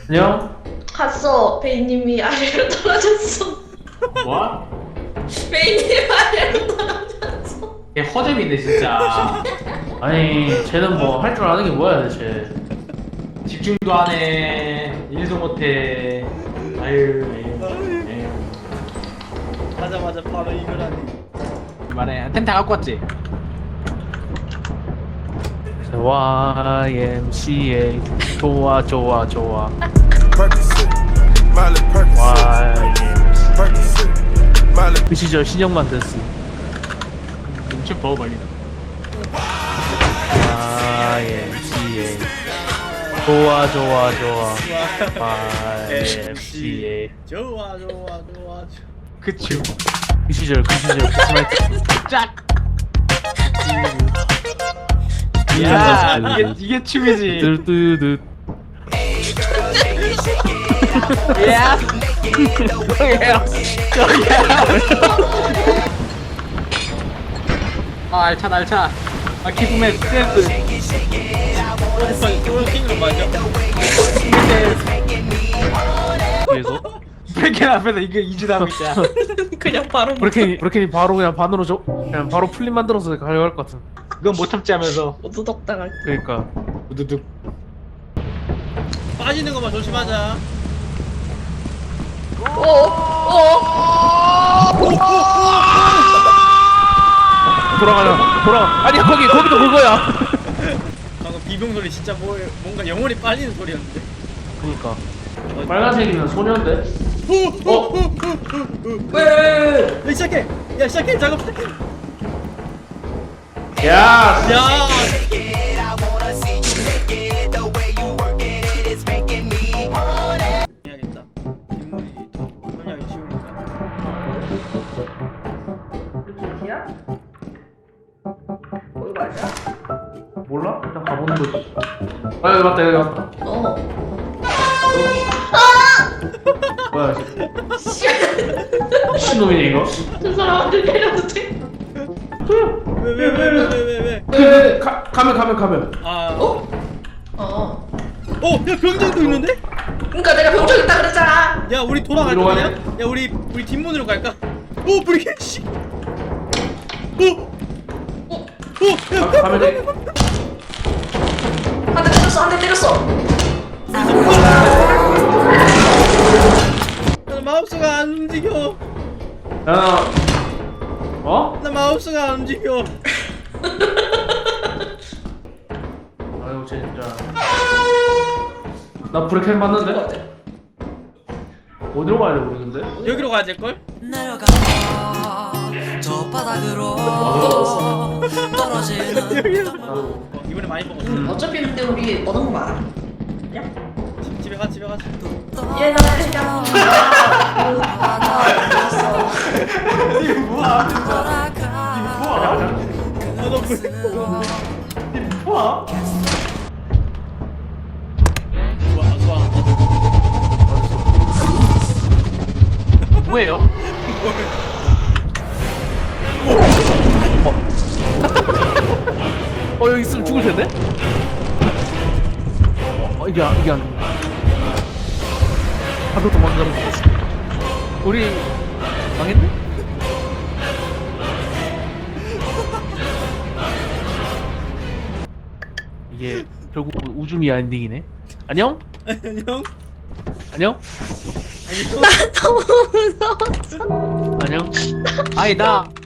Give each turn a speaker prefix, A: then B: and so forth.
A: 안녕?
B: 갔어. 베이님이 아래로 떨어졌어.
C: 뭐?
B: 베이님 아래로 떨어졌어.
C: 걔 허접이네 진짜.
A: 아니 쟤는 뭐 할 줄 아는 게 뭐야 대체.
C: 집중도 안 해. 일도 못해. 아유. 에휴.
D: 하자마자 바로 이걸 하네.
C: 그만해. 템 다 갖고 왔지?
A: YMCA 좋아 좋아 좋아
E: Percocet, Miley Percocet,
A: YMCA
E: Percocet, Miley.
A: 그 시절 신영만 됐어.
C: 눈치 봐 빨리.
A: YMCA 좋아 좋아 좋아 YMCA
D: 좋아.
C: 그치.
A: 그 시절 스마이트
C: 짝. 야 이게 춤이지.
A: 뚜뚜뚜
C: 야. 아 알차. 아 기쁨의 댄스.
D: 킹으로 맞아.
A: 뒤에서
C: 브레이크 앞에서 이거 이지다고 있잖아.
B: 그냥 바로
A: 브레켄이 바로 그냥 반으로 그냥 바로 플립 만들어서 가져갈 것 같은.
C: 그건 못 참지 하면서
B: 오두덕 당할.
A: 그러니까
C: 우두둑.
D: 빠지는 것만 조심하자.
A: 돌아. 아니 거기도 그거야.
D: 방금 비명 소리 진짜 뭔가 영혼이 빨리는 소리였는데.
A: 그러니까 빨간색이면 소녀인데.
B: 왜?
D: 시작해. 야 시작해. 작업 시작해.
A: 야.
D: 야. 해야겠다. 인물이 설명하기 쉬우니까.
B: 야? 거기 맞아?
A: 몰라? 일단 가보는 거지. 아 여기 맞다. 뭐야 미친놈이네 이거.
B: 저 사람한테 때려도 돼?
D: 왜?
A: 가면.
D: 아.
B: 어.
D: 야 병장도 있는데?
B: 그러니까 내가 병적 있다 그랬잖아.
D: 야 우리 돌아갈
A: 어디로
D: 거냐?
A: 가냐?
D: 야 우리 뒷문으로 갈까? 브리켓 씨.
A: 가면 돼.
B: 한 대 때렸어.
D: 나 마우스가 안 움직여.
A: 야. 어?
D: 나 마우스가 안 움직여.
A: 아유 진짜. 나 브레켄 봤는데? 어디로 가야 돼 모르겠는데?
D: 여기로 가야 될 걸?
F: 내려가 저 바닥으로 떨어지는
D: 이번에 많이 먹었어.
B: 어차피 근데 우리 얻은 거 많아. 야?
D: 집에 가.
B: 얘 나 그냥.
D: 좋아.
C: 뭐예요?
A: 여기 있으면 죽을 텐데? 이게 안 하도 도망가는 거 같아. 우리 망했네? 이게 결국 우주미 엔딩이네. 안녕?
D: 안녕.
A: 안녕?
B: 너무 무서웠어.
A: 안녕?
C: 아니 나